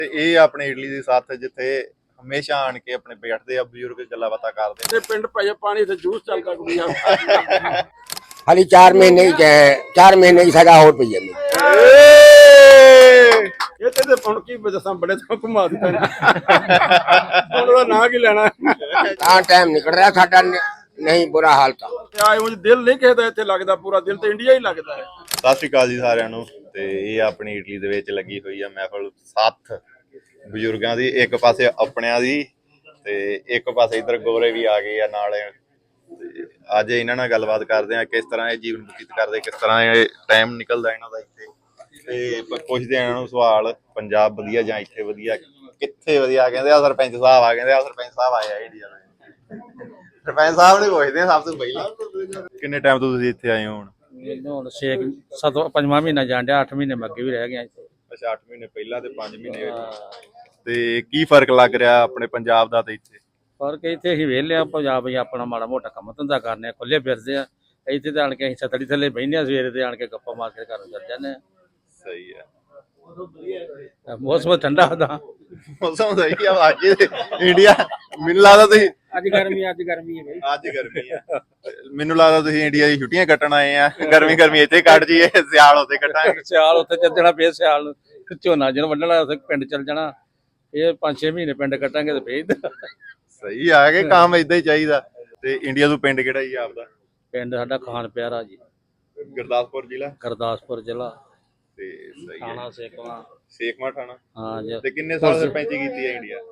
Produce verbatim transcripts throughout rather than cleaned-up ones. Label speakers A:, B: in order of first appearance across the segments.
A: ਤੇ ਇਹ ਆਪਣੇ ਇਟਲੀ ਦੀ ਸਾਥ ਜਿੱਥੇ ਹਮੇਸ਼ਾ ਆਣ ਕੇ ਆਪਣੇ ਬੈਠਦੇ ਆ ਬਜ਼ੁਰਗ ਗੱਲਾਂ ਬਾਤਾਂ ਕਰਦੇ
B: ਤੇ ਪਿੰਡ ਭਾਈ ਪਾਣੀ ਤੇ ਜੂਸ ਚੱਲਦਾ ਕੁੜੀਆਂ
C: हाली चार महीने की चार महीने की सजा और पई है
B: ਇਹ ਤੇ ਤੇ ਹੁਣ ਕੀ ਦੱਸਾਂ ਬੜੇ ਤੋਂ ਘੁਮਾ ਦਿੱਤਾ ਹੁਣ ਉਹਦਾ ਨਾਂ ਕੀ ਲੈਣਾ
C: कहाँ टाइम निकल रहा साडा नहीं बुरा हाल था
B: ਤੇ ਆਏ ਉਂਝ ਦਿਲ ਨਹੀਂ ਕਿਸੇ ਦਾ ਇੱਥੇ ਲੱਗਦਾ ਪੂਰਾ ਦਿਲ ਤੇ ਇੰਡੀਆ ਹੀ ਲੱਗਦਾ ਹੈ।
A: ਸਤਿ ਸ਼੍ਰੀ ਅਕਾਲ ਜੀ ਸਾਰਿਆਂ ਨੂੰ। ਤੇ ਇਹ ਆਪਣੀ ਇਟਲੀ ਦੇ ਵਿੱਚ ਲੱਗੀ ਹੋਈ ਆ ਮਹਿਫਲ ਸੱਤ ਬਜ਼ੁਰਗਾਂ ਦੀ, ਇੱਕ ਪਾਸੇ ਆਪਣਿਆਂ ਦੀ ਤੇ ਇੱਕ ਪਾਸੇ ਇਧਰ ਗੋਰੇ ਵੀ ਆ ਗਏ ਆ ਨਾਲ। ਤੇ ਅੱਜ ਇਹਨਾਂ ਨਾਲ ਗੱਲਬਾਤ ਕਰਦੇ ਆ ਕਿਸ ਤਰ੍ਹਾਂ ਇਹ ਜੀਵਨ ਬਤੀਤ ਕਰਦੇ, ਕਿਸ ਤਰ੍ਹਾਂ ਇਹ ਟਾਈਮ ਨਿਕਲਦਾ ਇਹਨਾਂ ਦਾ ਇੱਥੇ। ਤੇ ਪੁੱਛਦੇ ਆ ਇਹਨਾਂ ਨੂੰ ਸਵਾਲ, ਪੰਜਾਬ ਵਧੀਆ ਜਾਂ ਇੱਥੇ ਵਧੀਆ, ਕਿੱਥੇ ਵਧੀਆ? ਕਹਿੰਦੇ ਆ ਸਰਪੰਚ ਸਾਹਿਬ ਆ, ਕਹਿੰਦੇ ਆ ਸਰਪੰਚ ਸਾਹਿਬ ਆਏ ਆ ਇੰਡੀਆ ਦੇ। ਸਰਪੰਚ ਸਾਹਿਬ ਨੇ ਪੁੱਛਦੇ ਆ ਸਭ ਤੋਂ ਪਹਿਲਾਂ, ਕਿੰਨੇ ਟਾਈਮ ਤੋਂ ਤੁਸੀਂ ਇੱਥੇ ਆਏ ਹੋ? ਹੁਣ
D: ਮੈਨੂੰ ਹੁਣ ਛੇ ਸੱਤ ਪੰਜਵਾਂ ਮਹੀਨਾ ਜਾਣ ਡਿਆ, ਅੱਠ ਮਹੀਨੇ ਮੈਂ ਅੱਗੇ ਵੀ ਰਹਿ ਗਿਆ ਇੱਥੇ।
A: ਅੱਛਾ, ਅੱਠ ਮਹੀਨੇ ਪਹਿਲਾਂ ਤੇ ਪੰਜ ਮਹੀਨੇ। ਤੇ ਕੀ ਫਰਕ ਲੱਗ ਰਿਹਾ ਆਪਣੇ ਪੰਜਾਬ ਦਾ ਤੇ ਇੱਥੇ?
D: ਫਰਕ ਇੱਥੇ ਅਸੀਂ ਵਿਹਲੇ ਆ, ਪੰਜਾਬ ਹੀ ਆਪਣਾ ਮਾੜਾ ਮੋਟਾ ਕੰਮ ਧੰਦਾ ਕਰਨੇ ਆ, ਖੁੱਲੇ ਫਿਰਦੇ ਆ। ਇੱਥੇ ਤਾਂ ਆਣ ਕੇ ਅਸੀਂ ਛਤੜੀ ਥੱਲੇ ਬਹਿੰਦੇ ਆ, ਸਵੇਰੇ ਤੇ ਆਣ ਕੇ ਗੱਪਾਂ ਮਾਰ ਕੇ ਘਰ ਨੂੰ ਚੱਲ ਜਾਂਦੇ ਆ।
A: ਸਹੀ ਹੈ,
D: ਮੌਸਮ ਠੰਡਾ ਹੁੰਦਾ,
A: ਮੌਸਮ ਸਹੀ ਆ। ਅੱਜ ਇੰਡੀਆ ਮੈਨੂੰ ਲੱਗਦਾ ਤੁਸੀਂ
D: ਅੱਜ ਗਰਮੀ ਅੱਜ ਗਰਮੀ ਹੈ ਬਈ,
A: ਅੱਜ ਗਰਮੀ ਆ। ਮੈਨੂੰ ਲੱਗਦਾ ਤੁਸੀਂ ਇੰਡੀਆ ਦੀ ਛੁੱਟੀਆਂ ਕੱਟਣ ਆਏ ਆ। ਗਰਮੀ ਗਰਮੀ ਇੱਥੇ ਕੱਟ ਜੀਏ, ਸਿਆਲ ਉੱਥੇ ਕੱਟਾਂਗੇ।
D: ਸਿਆਲ ਉੱਥੇ ਚੱਲ ਜਾਣਾ, ਫੇਰ ਸਿਆਲ ਨੂੰ ਝੋਨਾ ਜਿਹਨੂੰ ਵੱਢਣਾ ਉੱਥੇ ਪਿੰਡ ਚੱਲ ਜਾਣਾ। ਇਹ ਪੰਜ ਛੇ ਮਹੀਨੇ ਪਿੰਡ ਕੱਟਾਂਗੇ ਤੇ ਫੇਰ
A: ਸਹੀ ਆ ਕਿ ਕੰਮ ਏਦਾਂ ਹੀ ਚਾਹੀਦਾ। ਤੇ ਇੰਡੀਆ ਤੋਂ ਪਿੰਡ ਕਿਹੜਾ ਜੀ ਆਪਦਾ?
D: ਪਿੰਡ ਸਾਡਾ ਖਾਨ ਪਿਆਰਾ ਜੀ,
A: ਗੁਰਦਾਸਪੁਰ ਜ਼ਿਲ੍ਹਾ।
D: ਗੁਰਦਾਸਪੁਰ ਜ਼ਿਲ੍ਹਾ,
A: ਤੇ ਸਹੀ
D: ਥਾਣਾ
A: ਹੈ,
D: ਸੇਖਵਾਂ।
A: ਸੇਖਵਾਂ ਥਾਣਾ।
D: ਹਾਂ ਜੀ।
A: ਤੇ ਕਿੰਨੇ ਸਾਲ ਸਰਪੰਚੀ ਕੀਤੀ ਹੈ ਇੰਡੀਆ?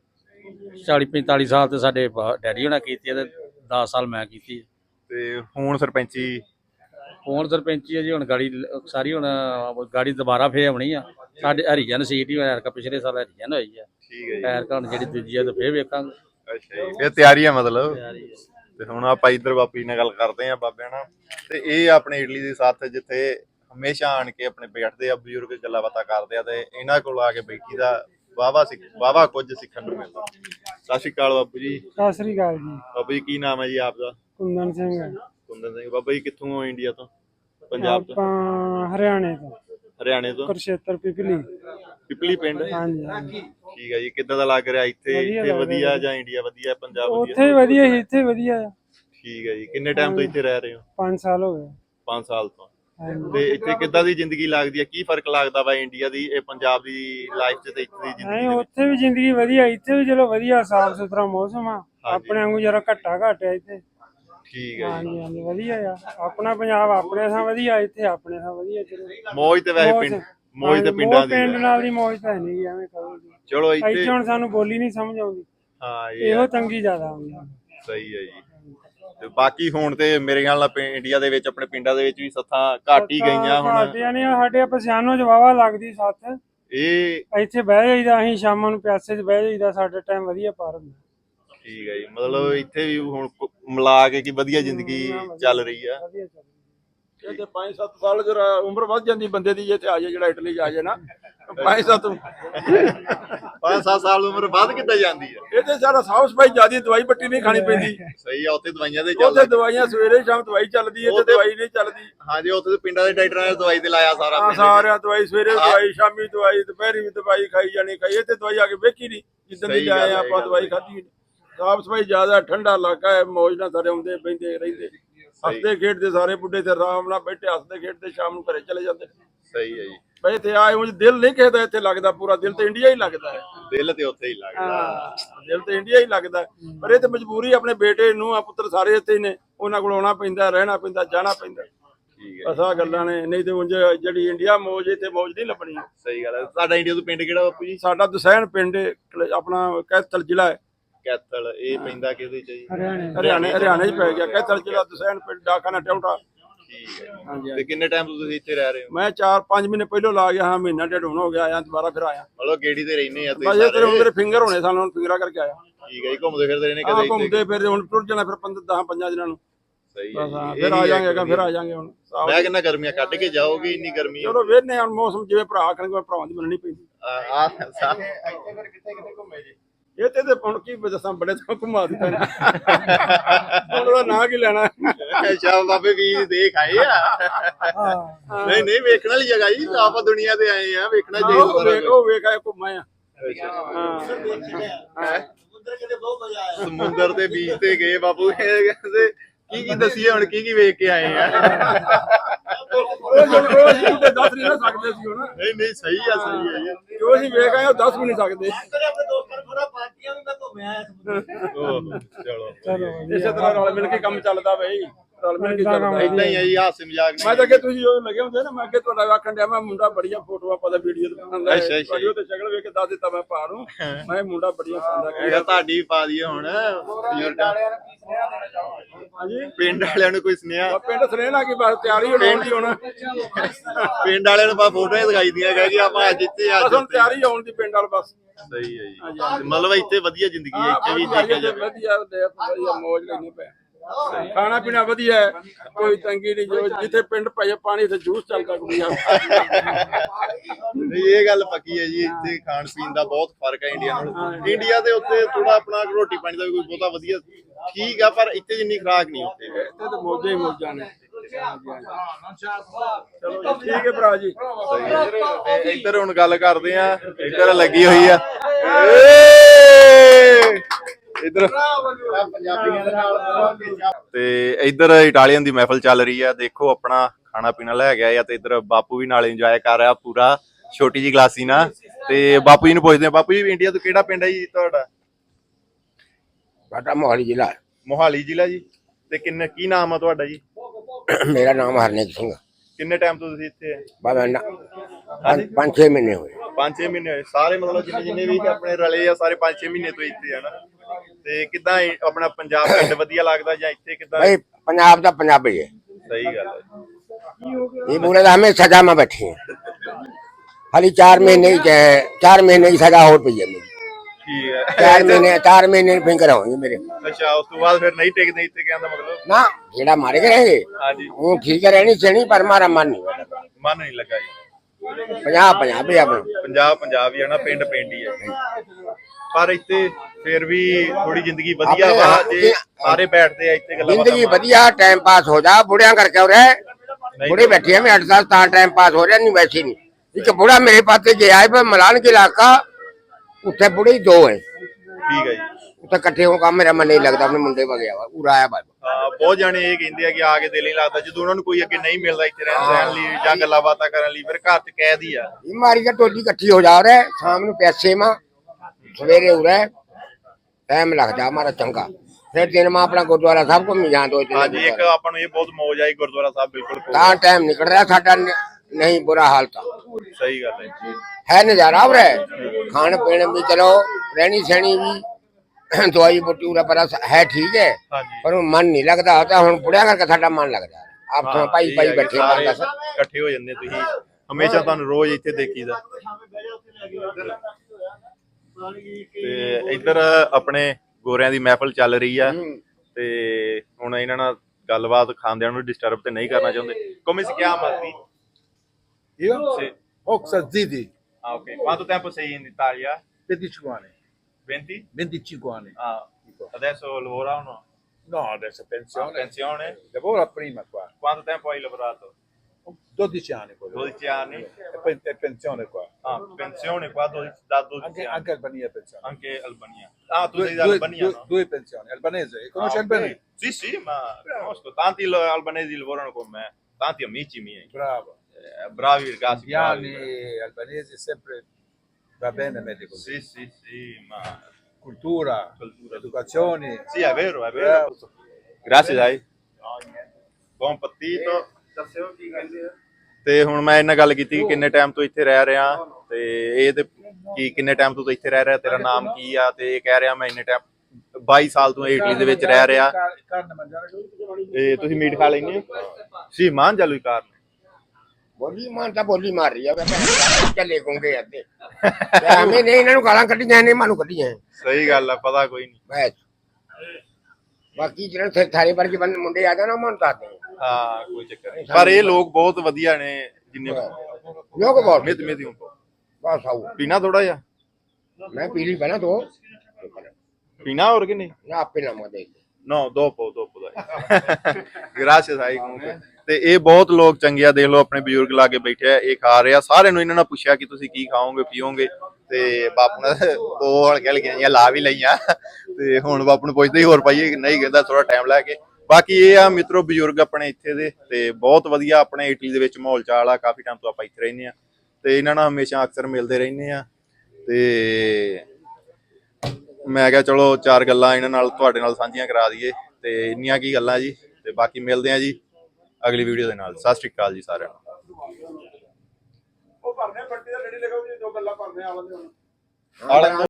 D: ਚਾਲੀ ਪੰਤਾਲੀ ਸਾਲ ਤੇ ਸਾਡੇ ਡੈਡੀ ਹੋਣਾ ਕੀਤੀ ਹੈ ਤੇ ਦਸ ਸਾਲ ਮੈਂ ਕੀਤੀ।
A: ਤੇ ਹੁਣ ਸਰਪੰਚੀ
D: ਹੁਣ ਸਰਪੰਚੀ ਹੈ ਜੀ, ਹੁਣ ਗਾੜੀ ਸਾਰੀ ਹੁਣ ਗਾੜੀ ਦੁਬਾਰਾ ਫੇਰ ਆਉਣੀ ਆ। ਸਾਡੇ ਹਰੀਜਨ ਸੀਟ ਹੀ ਹੋਇਆ, ਪਿਛਲੇ ਸਾਲ ਹਰੀਜਨ ਹੋਈ ਆ।
A: ਠੀਕ ਹੈ ਜੀ।
D: ਐਰ ਹੁਣ ਜਿਹੜੀ ਦੂਜੀ ਆ ਤੇ ਫੇਰ ਵੇਖਾਂਗੇ।
A: ਅੱਛਾ ਜੀ, ਇਹ ਤਿਆਰੀ ਆ ਮਤਲਬ। ਤੇ ਹੁਣ ਆਪਾਂ ਇੱਧਰ ਬਾਪੀ ਨਾਲ ਗੱਲ ਕਰਦੇ ਆ, ਬਾਬਿਆਂ ਨਾਲ। ਤੇ ਇਹ ਆਪਣੇ ਇਟਲੀ ਦੀ ਸਾਥ ਜਿੱਥੇ ਹਮੇਸ਼ਾ ਆਣ ਕੇ ਆਪਣੇ ਬੈਠਦੇ ਆ ਬਜ਼ੁਰਗ ਗੱਲਾਂ ਬਾਤਾਂ ਕਰਦੇ ਆ। ਤੇ ਇਹਨਾਂ ਕੋਲ ਆ ਕੇ ਬੈਠੀ ਦਾ ਵਾਵਾ ਸਿੱਖ ਵਾਵਾ ਕੁਝ ਸਿੱਖਣ ਨੂੰ ਮਿਲਦਾ। ਸਤਿ ਸ਼੍ਰੀ ਅਕਾਲ ਬਾਪੂ ਜੀ।
E: ਸਤਿ ਸ੍ਰੀ ਅਕਾਲ ਜੀ।
A: ਬਾਬੂ ਜੀ ਕੀ ਨਾਮ ਹੈ ਜੀ ਆਪ ਦਾ?
E: ਕੁੰਦਨ ਸਿੰਘ।
A: ਕੁੰਦਨ ਸਿੰਘ। ਬਾਬਾ ਜੀ ਕਿੱਥੋਂ ਹੋ? ਇੰਡੀਆ ਤੋਂ? ਪੰਜਾਬ ਤੋਂ?
E: ਆਪਾਂ ਹਰਿਆਣੇ ਤੋਂ,
A: ਹਰਿਆਣੇ ਤੋਂ?
E: ਕੁਰਸ਼ੇਤਰ ਪਿਪਲੀ।
A: ਪਿਪਲੀ ਪਿੰਡ?
E: ਹਾਂਜੀ ਹਾਂਜੀ।
A: ਠੀਕ ਹੈ ਜੀ। ਕਿੱਦਾਂ ਦਾ ਲੱਗ ਰਿਹਾ ਇੱਥੇ? ਇੱਥੇ ਵਧੀਆ ਜਾਂ ਇੰਡੀਆ ਵਧੀਆ, ਪੰਜਾਬ ਵਧੀਆ?
E: ਉੱਥੇ ਵਧੀਆ ਸੀ, ਇੱਥੇ ਵਧੀਆ ਆ।
A: ਠੀਕ ਹੈ ਜੀ। ਕਿੰਨੇ ਟਾਈਮ ਤੋਂ ਇੱਥੇ ਰਹਿ ਰਹੇ ਹੋ?
E: ਪੰਜ ਸਾਲ ਹੋ ਗਏ।
A: ਪੰਜ ਸਾਲ ਤੋਂ। ਤੇ ਇੱਥੇ ਕਿੱਦਾਂ ਦੀ ਜ਼ਿੰਦਗੀ ਲੱਗਦੀ ਹੈ? ਕੀ ਫਰਕ ਲੱਗਦਾ ਵਾ ਇੰਡੀਆ ਦੀ ਇਹ ਪੰਜਾਬ ਦੀ ਲਾਈਫ 'ਚ ਤੇ ਇੱਥੇ ਦੀ ਜ਼ਿੰਦਗੀ
E: ਨਹੀਂ,
A: ਦੇ?
E: ਉੱਥੇ ਵੀ ਜ਼ਿੰਦਗੀ ਵਧੀਆ, ਇੱਥੇ ਵੀ ਚਲੋ ਵਧੀਆ, ਸਾਫ ਸੁਥਰਾ ਮੌਸਮ ਆ। ਆਪਣੇ ਵਾਂਗੂ ਜਰਾ ਘੱਟਾ ਘੱਟ ਆ ਇੱਥੇ।
A: ਠੀਕ ਹੈ ਜੀ।
E: ਹਾਂਜੀ ਹਾਂਜੀ, ਵਧੀਆ ਆ ਆਪਣਾ ਪੰਜਾਬ। ਆਪਣੇ ਥਾਂ ਵਧੀਆ, ਇੱਥੇ ਆਪਣੇ ਥਾਂ ਵਧੀਆ। ਚਲੋ
A: ਮੌਜ ਤੇ ਵੈਸੇ ਪਿੰਡ, ਮੌਜ ਤੇ ਪਿੰਡਾਂ ਦੀ
E: ਪਿੰਡ ਨਾਲ ਦੀ ਮੌਜ ਤਾਂ ਨਹੀਂ ਐਵੇਂ ਕਹੋ।
A: ਚਲੋ
E: ਇੱਥੇ
A: ਇੱਥੇ
E: ਹੁਣ ਸਾਨੂੰ ਬੋਲੀ ਨਹੀਂ ਸਮਝ ਆਉਂਦੀ।
A: ਹਾਂ, ਇਹ
E: ਇਹੋ ਤੰਗੀ ਜ਼ਿਆਦਾ ਆਉਂਦੀ।
A: ਸਹੀ ਹੈ ਜੀ। ਤੇ ਬਾਕੀ ਹੁਣ ਤੇ ਮੇਰੇ ਖਿਆਲ ਨਾਲ ਇੰਡੀਆ ਦੇ ਵਿੱਚ ਆਪਣੇ ਪਿੰਡਾਂ ਦੇ ਵਿੱਚ ਵੀ ਸੱਥਾਂ ਘੱਟ ਹੀ ਗਈਆਂ ਹੁਣ।
E: ਸਾਡੇ ਨੇ ਸਾਡੇ ਪਛਾਣੋ ਚ ਵਾਵਾ ਲੱਗਦੀ ਸੱਥ।
A: ਇਹ
E: ਇੱਥੇ ਬਹਿ ਜਾਈਦਾ, ਅਸੀਂ ਸ਼ਾਮਾਂ ਨੂੰ ਪਿਆਸੇ 'ਚ ਬਹਿ ਜਾਈਦਾ, ਸਾਡਾ ਟਾਈਮ ਵਧੀਆ ਪਾਰ ਹੁੰਦਾ।
A: ਠੀਕ ਹੈ ਜੀ। ਮਤਲਬ ਇੱਥੇ ਵੀ ਹੁਣ ਮਿਲਾ ਕੇ ਕੀ ਵਧੀਆ ਜ਼ਿੰਦਗੀ ਚੱਲ ਰਹੀ ਆ।
E: ਵਧੀਆ ਚੱਲ
B: ਇਹ ਤੇ ਪੰਜ ਸੱਤ ਸਾਲ ਜਰਾ ਉਮਰ ਵੱਧ ਜਾਂਦੀ ਬੰਦੇ ਦੀ, ਜੇ ਤੇ ਆ ਜਾਏ ਜਿਹੜਾ ਇਟਲੀ ਜਾ ਜਾਏ ਨਾ ਪੰਜ ਸੱਤ
A: ਪੰਜ ਸੱਤ ਸਾਲ ਉਮਰ ਬਾਅਦ ਕਿੱਦਾਂ ਜਾਂਦੀ ਆ?
B: ਇਹ ਤੇ ਸਾਰਾ ਸਾਫ ਸਫਾਈ ਜਿਆਦੀ, ਦਵਾਈ ਪੱਟੀ ਨਹੀਂ ਖਾਣੀ ਪੈਂਦੀ।
A: ਸਹੀ ਆ। ਉੱਥੇ ਦਵਾਈਆਂ ਦੇ
B: ਉੱਥੇ
A: ਚੱਲਦਾ।
B: ਦਵਾਈਆਂ ਸਵੇਰੇ ਸ਼ਾਮ ਦਵਾਈ ਚੱਲਦੀ ਹੈ ਤੇ ਦਵਾਈ ਨਹੀਂ ਚੱਲਦੀ।
A: ਹਾਂਜੀ, ਉੱਥੇ ਤੇ ਪਿੰਡਾਂ ਦੇ ਡਾਕਟਰਾਂ ਨੇ ਦਵਾਈ ਤੇ ਲਾਇਆ ਸਾਰਾ
B: ਹਾਂ,
A: ਪਿੰਡ।
B: ਸਾਰਿਆਂ ਦਵਾਈ, ਸਵੇਰੇ ਦਵਾਈ, ਸ਼ਾਮੀ ਦਵਾਈ, ਦੁਪਹਿਰੀ ਵੀ ਦਵਾਈ ਖਾਈ ਜਾਣੀ ਖਾਈ। ਇੱਥੇ ਦਵਾਈ ਆ ਕੇ ਵੇਖੀ ਨਹੀਂ, ਜਿੱਦਣ ਦੀ ਆਏ ਆਪਾਂ ਦਵਾਈ ਖਾਧੀ। ਸਾਫ ਸਫਾਈ ਜ਼ਿਆਦਾ, ਠੰਡਾ ਇਲਾਕਾ ਹੈ, ਮੌਜ ਨਾਲ ਸਾਰੇ ਆਉਂਦੇ ਬਹਿੰਦੇ ਰਹਿੰਦੇ, ਹੱਸਦੇ ਖੇਡਦੇ ਸਾਰੇ ਬੁੱਢੇ ਤੇ ਆਰਾਮ ਨਾਲ ਬੈਠੇ ਹੱਸਦੇ ਖੇਡਦੇ ਸ਼ਾਮ ਨੂੰ ਘਰੇ ਚਲੇ ਜਾਂਦੇ।
A: ਸਹੀ ਹੈ ਜੀ।
B: ਬਈ ਤੇ ਆਏ ਉਂਝ ਦਿਲ ਨਹੀਂ ਕਿਸੇ ਦਾ ਇੱਥੇ ਲੱਗਦਾ ਪੂਰਾ, ਦਿਲ ਤੇ ਇੰਡੀਆ ਹੀ ਲੱਗਦਾ ਹੈ।
A: ਦਿਲ ਤੇ ਉੱਥੇ ਹੀ ਲੱਗਦਾ।
B: ਦਿਲ ਤੇ ਇੰਡੀਆ ਹੀ ਲੱਗਦਾ, ਪਰ ਇਹ ਤੇ ਮਜਬੂਰੀ, ਆਪਣੇ ਬੇਟੇ ਨੂੰ ਆ ਪੁੱਤਰ ਸਾਰੇ ਇੱਥੇ ਨੇ, ਉਹਨਾਂ ਕੋਲ ਆਉਣਾ ਪੈਂਦਾ, ਰਹਿਣਾ ਪੈਂਦਾ, ਜਾਣਾ ਪੈਂਦਾ।
A: ਠੀਕ ਹੈ।
B: ਬਸ ਆਹ ਗੱਲਾਂ ਨੇ, ਨਹੀਂ ਤੇ ਉਂਝ ਜਿਹੜੀ ਇੰਡੀਆ ਮੌਜ, ਇੱਥੇ ਮੌਜ ਨਹੀਂ ਲੱਭਣੀ।
A: ਸਹੀ ਗੱਲ ਹੈ। ਸਾਡਾ ਇੰਡੀਆ ਤੋਂ ਪਿੰਡ ਕਿਹੜਾ ਬਾਪੂ ਜੀ?
B: ਸਾਡਾ ਦਸਹਿਣ ਪਿੰਡ ਆਪਣਾ ਕੈਥਲ ਜ਼ਿਲ੍ਹਾ ਹੈ।
A: ਕੈਥਲ। ਇਹ ਪੈਂਦਾ ਕਿਹਦੇ ਚ ਜੀ?
E: ਹਰਿਆਣੇ।
B: ਹਰਿਆਣੇ ਹਰਿਆਣੇ 'ਚ ਪੈ ਗਿਆ ਕੈਥਲ ਜ਼ਿਲ੍ਹਾ, ਦਸਹਿਣ ਪਿੰਡ, ਡਾਕਾਨਾ ਟਿਉਟਾ।
A: ਠੀਕ ਹੈ।
B: ਹਾਂਜੀ।
A: ਤੇ ਕਿੰਨੇ ਟਾਈਮ ਤੋਂ ਤੁਸੀਂ ਇੱਥੇ ਰਹਿ ਰਹੇ ਹੋ?
B: ਮੈਂ ਚਾਰ ਪੰਜ ਮਹੀਨੇ ਪਹਿਲੋਂ ਲਾ ਗਿਆ ਹਾਂ, ਮਹੀਨਾ ਡੇਢ ਹੁਣ ਹੋ ਗਿਆ ਆਇਆ, ਦੁਬਾਰਾ ਫਿਰ ਆਇਆ।
A: ਮਤਲਬ ਗੇੜੀ ਤੇ ਰਹਿੰਦੇ ਆ ਤੁਸੀਂ
B: ਬਸ ਇਹ
A: ਸਾਰੇ?
B: ਮੇਰੇ ਫਿੰਗਰ ਹੋਣੇ ਸਾਨੂੰ, ਹੁਣ ਫਿੰਗਰਾ ਕਰਕੇ ਆਇਆ।
A: ਠੀਕ ਹੈ ਜੀ। ਘੁੰਮਦੇ ਫਿਰਦੇ ਰਹਿੰਦੇ
B: ਹਾਂ,
A: ਕਦੇ ਇੱਥੇ?
B: ਘੁੰਮਦੇ ਫਿਰ ਹੁਣ ਟੁਰ ਜਾਣਾ ਫਿਰ ਪੰਜ ਦਸ ਪੰਜਾਂ ਦਿਨਾਂ ਨੂੰ।
A: ਸਹੀ ਹੈ ਜੀ।
B: ਫਿਰ ਆ ਜਾਾਂਗੇ, ਫਿਰ ਆ ਜਾਾਂਗੇ ਹੁਣ।
A: ਮੈਂ ਕਹਿੰਦਾ ਗਰਮੀਆਂ ਕੱਢ ਕੇ ਜਾਓਗੇ, ਇੰਨੀ ਗਰਮੀ ਆ।
B: ਚਲੋ ਵੇਖਦੇ ਹਾਂ ਮੌਸਮ, ਜਿਵੇਂ ਭਰਾ ਆਖਣਗੇ ਭਰਾਵਾਂ ਦੀ ਮੰਨਣੀ ਪੈਂਦੀ।
A: ਆ
B: ਇਹ ਤੇ ਤੇ ਹੁਣ ਕੀ ਦੱਸਾਂ ਬੜੇ ਤੋਂ ਘੁਮਾ ਦਿੱਤਾ ਹੁਣ ਉਹਦਾ ਨਾਂ ਕੀ ਲੈਣਾ।
A: ਅੱਛਾ, ਬਾਬੇ ਵੀਰ ਦੇਖ ਆਏ ਆ। ਨਹੀਂ ਨਹੀਂ, ਵੇਖਣ ਵਾਲੀ ਜਗ੍ਹਾ ਜੀ, ਆਪਾਂ ਦੁਨੀਆ ਤੇ ਆਏ ਆ, ਵੇਖਣਾ ਚਾਹੀਦਾ।
B: ਉਹ ਵੇਖ ਆਇਆ ਘੁੰਮਾ ਆ।
A: ਸਮੁੰਦਰ ਦੇ ਬੀਚ ਤੇ ਗਏ ਬਾਪੂ ਇਹ ਕਹਿੰਦੇ ਕੀ ਕੀ ਦਸੀਏ ਹੁਣ ਕੀ ਕੀ ਵੇਖ ਕੇ ਆਏ ਆ
B: ਉਹ ਜੋ ਉਹ ਅਸੀਂ ਕਿਤੇ ਦੱਸ ਨਹੀਂ ਨਾ ਸਕਦੇ ਸੀ ਹੁਣ
A: ਨਹੀਂ ਨਹੀਂ ਸਹੀ ਆ ਸਹੀ ਆ ਜੀ
B: ਜੋ ਅਸੀਂ ਵੇਖ ਆਏ ਉਹ ਦੱਸ ਵੀ ਨਹੀਂ ਸਕਦੇ
A: ਓਹ, ਚਲੋ
E: ਚਲੋ
B: ਇਸੇ ਤਰ੍ਹਾਂ ਰਲ ਮਿਲ ਕੇ ਕੰਮ ਚੱਲਦਾ ਬਈ ਰਲ ਮਿਲ ਕੇ ਚੱਲਦਾ
A: ਇਦਾਂ ਹੀ ਆ ਜੀ ਹਾਸੇ ਮਜ਼ਾਕ ਨਹੀਂ
B: ਮੈਂ ਤਾਂ ਅੱਗੇ ਤੁਸੀਂ ਉਹ ਲੱਗੇ ਹੁੰਦੇ ਨਾ ਮੈਂ ਅੱਗੇ ਤੁਹਾਡਾ ਆਖਣ ਡਿਆ ਮੈਂ ਮੁੰਡਾ ਬੜੀਆਂ ਫੋਟੋਆਂ ਪਾਦਾ ਵੀਡੀਓ ਤੇ ਪਾਉਂਦਾ
A: ਅੱਛਾ, ਅੱਛਾ।
B: ਵੀਡੀਓ ਤੇ ਸ਼ਕਲ ਵੇਖ ਕੇ ਦੱਸ ਦਿੱਤਾ ਮੈਂ ਪਾ ਨੂੰ ਮੈਂ ਮੁੰਡਾ ਬੜੀਆਂ ਪਾਉਂਦਾ
A: ਮੈਂ ਕਿਹਾ ਤੁਹਾਡੀ ਪਾ ਦਈਏ ਹੁਣ ਬਜ਼ੁਰਗਾਂ
B: ਹਾਂਜੀ
A: ਪਿੰਡ ਵਾਲਿਆਂ ਨੂੰ ਕੋਈ ਸੁਨੇਹਾ
B: ਆ ਪਿੰਡ ਸਨੇਹ ਕੀ ਬਸ ਤਿਆਰੀ ਹੋਣੀ ਦੀ ਹੁਣ
A: ਪਿੰਡ ਵਾਲਿਆਂ ਨੂੰ ਬਾ ਫੋਟੋਆਂ ਦਿਖਾਈ ਦੀਆਂ ਕਹਿ ਕਿ ਆਪਾਂ ਅੱਜ ਇੱਥੇ ਅੱਜ
B: ਬਸ ਹੁਣ ਤਿਆਰੀ ਹੋਣ ਦੀ ਪਿੰਡ ਵਾਲ ਬਸ
A: ਸਹੀ ਹੈ ਜੀ ਤੇ ਮਤਲਬ ਇੱਥੇ ਵਧੀਆ ਜ਼ਿੰਦਗੀ ਹੈ ਇੱਥੇ ਵੀ
B: ਵਧੀਆ
A: ਦੇਖਿਆ ਜਾਵੇ
B: ਵਧੀਆ ਵਧੀਆ ਮੌਜ ਲੈਣੀ ਪੈ ਖਾਣਾ ਪੀਣਾ ਵਧੀਆ ਹੈ ਕੋਈ ਤੰਗੀ ਨਹੀਂ ਜੋ ਜਿੱਥੇ ਪਿੰਡ ਪਏ ਪਾਣੀ ਤੇ ਜੂਸ ਚੱਲਦਾ ਕੁੜੀਆਂ
A: ਨਹੀਂ ਇਹ ਗੱਲ ਪੱਕੀ ਹੈ ਜੀ ਇੱਥੇ ਖਾਣ ਪੀਣ ਦਾ ਬਹੁਤ ਫਰਕ ਹੈ ਇੰਡੀਆ ਨਾਲੋਂ ਇੰਡੀਆ ਦੇ ਉੱਤੇ ਥੋੜਾ ਆਪਣਾ ਰੋਟੀ ਪਾਣੀ ਦਾ ਵੀ ਕੋਈ ਬਹੁਤਾ ਵਧੀਆ ਠੀਕ ਆ ਪਰ ਇੱਥੇ ਜਿੰਨੀ ਖੁਰਾਕ ਨਹੀਂ ਉੱਥੇ
B: ਇੱਥੇ ਤਾਂ ਮੌਜਾਂ ਹੀ ਮੌਜਾਂ ਨੇ ਚਲੋ ਜੀ ਠੀਕ ਹੈ ਭਰਾ ਜੀ
A: ਤੇ ਇੱਧਰ ਹੁਣ ਗੱਲ ਕਰਦੇ ਆ ਇੱਧਰ ਲੱਗੀ ਹੋਈ ਆ ਇੱਧਰ ਤੇ ਇੱਧਰ ਇਟਾਲੀਅਨ ਦੀ ਮਹਿਫਲ ਚੱਲ ਰਹੀ ਆ ਦੇਖੋ ਆਪਣਾ ਖਾਣਾ ਪੀਣਾ ਲੈ ਗਿਆ ਆ ਤੇ ਇੱਧਰ ਬਾਪੂ ਵੀ ਨਾਲ ਇੰਜੋਏ ਕਰ ਰਿਹਾ ਪੂਰਾ ਛੋਟੀ ਜੀ ਗਲਾਸੀ ਨਾਲ ਤੇ ਬਾਪੂ ਜੀ ਨੂੰ ਪੁੱਛਦੇ ਆ ਬਾਪੂ ਜੀ ਇੰਡੀਆ ਤੋਂ ਕਿਹੜਾ ਪਿੰਡ ਹੈ ਜੀ ਤੁਹਾਡਾ
C: ਸਾਡਾ ਮੋਹਾਲੀ ਜ਼ਿਲ੍ਹਾ ਹੈ।
A: ਮੋਹਾਲੀ ਜ਼ਿਲ੍ਹਾ ਜੀ ਤੇ ਕਿੰਨੇ ਕੀ ਨਾਮ ਆ ਤੁਹਾਡਾ ਜੀ
C: ਮੇਰਾ ਨਾਮ ਹਰਨੇਕ ਸਿੰਘ
A: ਕਿੰਨੇ ਟਾਈਮ ਤੋਂ ਤੁਸੀਂ ਇੱਥੇ
C: ਬਾਬਾ ਨਾ ਪੰਜ- ਪੰਜ ਛੇ ਮਹੀਨੇ ਹੋਏ
A: ਪੰਜ ਛੇ ਮਹੀਨੇ ਹੋਏ ਸਾਰੇ ਮਤਲਬ ਜਿੰਨੇ ਜਿੰਨੇ ਵੀ ਆਪਣੇ ਰਲੇ ਆ ਸਾਰੇ ਪੰਜ ਛੇ ਮਹੀਨੇ ਤੋਂ ਇੱਥੇ ਆ ਨਾ ਤੇ ਕਿੱਦਾਂ ਇਹ ਆਪਣਾ ਪੰਜਾਬ ਪਿੰਡ ਵਧੀਆ ਲੱਗਦਾ ਜਾਂ ਇੱਥੇ ਕਿੱਦਾਂ
C: भाई पंजाब का पंजाबी है
A: ਸਹੀ ਗੱਲ ਹੈ
C: ये बोले तो हमें सजा में बैठी है खाली चार महीने की कै- चार महीने की सजा और पई है मेरी
A: ਠੀਕ ਹੈ
C: चार महीने चार महीने फिंगर होंगे मेरे
A: ਅੱਛਾ ਉਸ ਤੋਂ ਬਾਅਦ ਫਿਰ ਨਹੀਂ ਟਿਕਦੇ ਇੱਥੇ ਕਹਿੰਦਾ ਮਤਲਬ
C: ना जेड़ा मारे के रहेंगे
A: ਹਾਂਜੀ
C: वो ठीक है रहनी चाहिए पर हमारा मन नहीं है
A: ਮਨ ਨਹੀਂ ਲੱਗਾ ਜੀ
C: पंजाब पंजाबी अपना
A: ਪੰਜਾਬ ਪੰਜਾਬ ਹੀ ਹੈ ਨਾ ਪਿੰਡ ਪਿੰਡ ਹੀ ਹੈ ਪਰ ਇੱਥੇ ਫਿਰ ਵੀ ਥੋੜੀ ਜ਼ਿੰਦਗੀ ਵਧੀਆ
C: ਆਪਣੇ
A: ਵਾ
C: ਹੱਥ
A: ਜੇ
C: ਦੀ-
A: ਸਾਰੇ ਬੈਠਦੇ ਆ ਇੱਥੇ ਗੱਲਾਂ
C: जिंदगी
A: ਬਾਤਾਂ
C: बढ़िया टाइम पास हो जा बुढ़िया करके हो रहे बुढ़े बैठे हैं अठ दस तार टाइम पास हो रहा नहीं वैसे नहीं एक बुढ़ा मेरे पास गया है पर मलान के इलाका उत्थे बुढ़े ही दो है
A: ਠੀਕ ਹੈ ਜੀ
C: उत्थे इकट्ठे हो काम मेरा मन नहीं लगता अपने मुंडे पर गया वा उड़ाया भाई
A: ਹਾਂ, ਬਹੁਤ ਜਾਣੇ ਇਹ ਕਹਿੰਦੇ ਆ ਕਿ ਆ ਕੇ ਦਿਲ ਨਹੀਂ ਲੱਗਦਾ ਜਦੋਂ ਉਹਨਾਂ ਨੂੰ ਕੋਈ ਅੱਗੇ ਨਹੀਂ ਮਿਲਦਾ ਇੱਥੇ ਰਹਿਣ ਸਹਿਣ ਲਈ ਜਾਂ ਗੱਲਾਂ ਬਾਤਾਂ ਕਰਨ ਲਈ ਫਿਰ ਘਰ 'ਚ ਕੈਦ ਹੀ ਆ
C: हमारी का टोली इकट्ठी हो जा रहा है शाम ਨੂੰ पैसे में सवेरे हो रहा है टाइम लग जा हमारा चंगा फिर दिन में अपना गुरुद्वारा साहब को मिला दो
A: ਹਾਂਜੀ ਇੱਕ ਆਪਾਂ ਨੂੰ ਇਹ ਬਹੁਤ ਮੌਜ ਆਈ ਗੁਰਦੁਆਰਾ ਸਾਹਿਬ ਬਿਲकुल ਕੋਲ।
C: कहाँ टाइम निकल रहा है साडा न- नहीं बुरा हाल था
A: ਸਹੀ ਗੱਲ ਹੈ ਜੀ
C: है नजारा हो रहा है खान पीने भी चलो रहनी सहनी भी दवाई बूटी उरा पर है ठीक है
A: ਹਾਂਜੀ
C: पर वो मन नहीं लगता होता हूँ बुढ़िया करके साडा मन लगता है आप तो भाई
A: ਇਹ
C: भाई
A: ਹੈ ਕਿ
C: बैठे
A: ਸਾਰੇ
C: हैं
A: ਇਕੱਠੇ ਹੋ ਜਾਂਦੇ ਤੁਸੀਂ ਹਮੇਸ਼ਾ ਤੁਹਾਨੂੰ ਰੋਜ਼ ਇੱਥੇ ਦੇਖੀਦਾ ਤੇ ਇੱਧਰ ਆਪਣੇ ਗੋਰਿਆਂ ਦੀ ਮਹਿਫਲ ਚੱਲ ਰਹੀ ਆ ਤੇ ਹੁਣ ਇਹਨਾਂ ਨਾਲ ਗੱਲਬਾਤ ਖਾਂਦਿਆਂ ਨੂੰ ਡਿਸਟਰਬ ਤੇ ਨਹੀਂ ਕਰਨਾ ਚਾਹੁੰਦੇ come si chiama qui?
F: Io?
A: Sì.
F: Oxa Zidi,
A: Ah, ok. Quanto tempo sei in Italia?
F: venticinque anni.
A: venti?
F: venticinque anni.
A: Ah, adesso lavora o no?
F: No, adesso è
A: Ah,
F: pensione.
A: pensione?
F: Lavora prima qua.
A: Quanto tempo hai lavorato?
F: dodici anni quello.
A: dodici anni?
F: E poi è pensione qua.
A: Ah, pensione qua dodici, da dodici
F: Anche,
A: anni.
F: anche Albania è pensione.
A: Anche Albania. Ah, tu
F: Due,
A: sei
F: due,
A: dall'Albania,
F: due,
A: no?
F: due pensioni. Albanese, conosci
A: Ah, ok.
F: Albanese?
A: Sì, sì, ma conosco. Tanti lo- albanesi lavorano con me. Tanti amici miei.
F: Bravo.
A: Eh, bravi ragazzi.
F: Indiani,
A: bravi.
F: albanesi, sempre va bene meglio così.
A: Sì, sì, sì, ma...
F: Cultura,
A: Cultura.
F: educazioni.
A: Sì, è vero, è vero. Grazie, dai. Buon appetito. ਤੇ ਹੁਣ ਮੈਂ ਇਹਨਾਂ ਗੱਲ ਕੀਤੀ ਕਿ ਕਿੰਨੇ time ਤੋਂ ਇੱਥੇ ਰਹਿ ਰਿਹਾ ਤੇ ਇਹ ਤੇ ਕੀ ਕਿੰਨੇ ਟਾਈਮ ਤੋਂ ਤੂੰ ਇੱਥੇ ਰਹਿ ਰਿਹਾ ਤੇਰਾ ਨਾਮ ਕੀ ਆ ਤੇ ਇਹ ਕਹਿ ਰਿਹਾ ਮੈਂ ਇੰਨੇ ਟਾਈਮ ਬਾਈ ਸਾਲ ਤੋਂ ਇਟਲੀ ਦੇ ਵਿੱਚ ਰਹਿ ਰਿਹਾ
F: Carne mangiare?
A: ਤੇ ਤੁਸੀਂ ਮੀਟ ਖਾ ਲੈਂਦੇ ਹੋ ਸੀ ਮਾਨ ਜਾਲੂ ਕਾਰ
C: बोली मानता बोली मार रही है चले गूंगे अद्धे हमें नहीं इन्होंने गाला कटिया नहीं मानू कटिया
A: ਸਹੀ ਗੱਲ ਆ ਪਤਾ ਕੋਈ ਨਹੀਂ
C: बस बाकी ਜਿਹੜੇ थारे पर के बंदे मुंडे आ जाना मन ताते
A: ਹਾਂ ਕੋਈ ਚੱਕਰ ਨਹੀਂ ਪਰ ਇਹ ਲੋਕ ਬਹੁਤ ਵਧੀਆ ਨੇ ਜਿੰਨੇ
C: लोग बहुत
A: ਮਿਹਨਤ ਮਿਹਨਤ
C: बस आओ
A: ਪੀਣਾ ਥੋੜਾ ਜਿਹਾ
C: मैं पीली बना तो
A: ਪੀਣਾ ਹੋਰ ਕਿ ਨਹੀਂ
C: ना आपे नाम दे
A: No, dopo, dopo dai. Grazie dai comunque. ਤੇ ਇਹ ਬਹੁਤ ਲੋਕ ਚੰਗੇ ਆ ਦੇਖ ਲਓ ਆਪਣੇ ਬਜ਼ੁਰਗ ਲਾਗੇ ਬੈਠੇ ਆ ਇਹ ਖਾ ਰਹੇ ਆ ਸਾਰਿਆਂ ਨੂੰ ਇਹਨਾਂ ਨਾਲ ਪੁੱਛਿਆ ਕਿ ਤੁਸੀਂ ਕੀ ਖਾਓਗੇ ਪੀਓਗੇ ਤੇ ਬਾਪੂ ਨੇ ਦੋ ਹਲਕੇ ਹਲਕੀਆਂ ਜਿਹੀਆਂ ਲਾ ਵੀ ਲਈਆਂ ਤੇ ਹੁਣ ਬਾਪੂ ਨੂੰ ਪੁੱਛਦੇ ਹੀ ਹੋਰ ਪਾਈਏ ਕਿ ਨਹੀਂ, ਕਹਿੰਦਾ ਥੋੜਾ ਟਾਈਮ ਲੈ ਕੇ। ਬਾਕੀ ਇਹ ਆ ਮਿੱਤਰੋ ਬਜ਼ੁਰਗ ਆਪਣੇ ਇੱਥੇ ਦੇ ਤੇ ਬਹੁਤ ਵਧੀਆ ਆਪਣੇ ਇਟਲੀ ਦੇ ਵਿੱਚ ਮਾਹੌਲ ਚਾਲ ਆ। ਕਾਫੀ ਟਾਈਮ ਤੋਂ ਆਪਾਂ ਇੱਥੇ ਰਹਿੰਦੇ ਆ ਤੇ ਇਹਨਾਂ ਨਾਲ ਹਮੇਸ਼ਾ ਅਕਸਰ ਮਿਲਦੇ ਰਹਿੰਦੇ ਆ ਤੇ ਮੈਂ ਕਿਹਾ ਚਲੋ ਚਾਰ ਗੱਲਾਂ ਇਹਨਾਂ ਨਾਲ ਤੁਹਾਡੇ ਨਾਲ ਸਾਂਝੀਆਂ ਕਰਾ ਦਈਏ ਤੇ ਇੰਨੀਆਂ ਕੀ ਗੱਲਾਂ ਜੀ। ਤੇ ਬਾਕੀ ਮਿਲਦੇ ਆ ਜੀ ਅਗਲੀ ਵੀਡੀਓ ਦੇ ਨਾਲ। ਸਤਿ ਸ਼੍ਰੀ ਅਕਾਲ ਜੀ ਸਾਰਿਆਂ ਨੂੰ।
B: ਉਹ ਭਰਨੇ ਪੱਟੀ ਦਾ ਰੈਡੀ ਲਗਾਓ ਜੀ, ਦੋ ਗੱਲਾਂ ਭਰਨੇ ਆਵਾਂਗੇ ਹੁਣ।